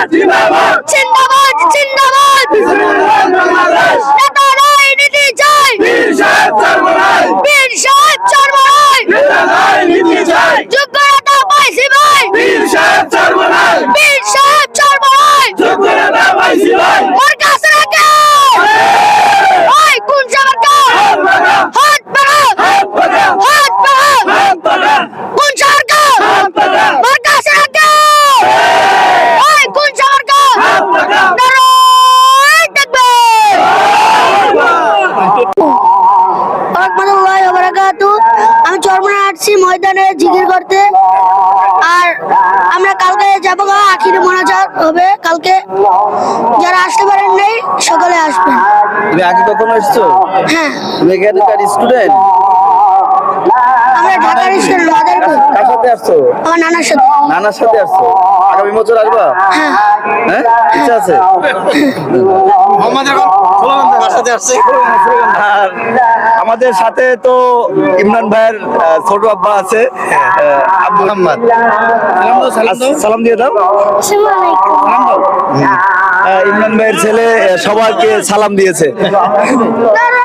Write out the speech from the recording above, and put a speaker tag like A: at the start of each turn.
A: জিন্দাবাদ জিন্দাবাদ নেতা রাজনীতি চাই বীর সাহেব চরমরাই যোগ্য নেতা পাইছি ভাই বীর সাহেব চরমরাই ওর কাছে রাখে ওই কোন সরকার হাত পাড়া কোন সরকার ওর কাছে রাখে ওই কোন সরকার নারায় দেখবে আমি চরমনায় আসছি ময়দানে জিকির করতে। আর আমরা কালকে যাবো আখিরি মোনাজাত হবে কালকে, যারা আসতে পারেন নাই সকালে আসবেন।
B: তুমি আগে কখনো এসছো?
A: হ্যাঁ,
B: তুমি এখানকার স্টুডেন্ট?
A: আমরা ঢাকার স্টুডেন্ট।
B: কার সাথে আসছো?
A: আমার নানার সাথে।
B: নানার সাথে আসছো? আগামী বছর আসবা?
A: হ্যাঁ,
B: হ্যাঁ, ইচ্ছা আছে? আর আমাদের সাথে তো ইমরান ভাইয়ের ছোট আব্বা আছে, আব্দুল মোহাম্মদ। সালাম দিয়ে দাও। সালাম দাও। ইমরান ভাইয়ের ছেলে সবাইকে সালাম দিয়েছে।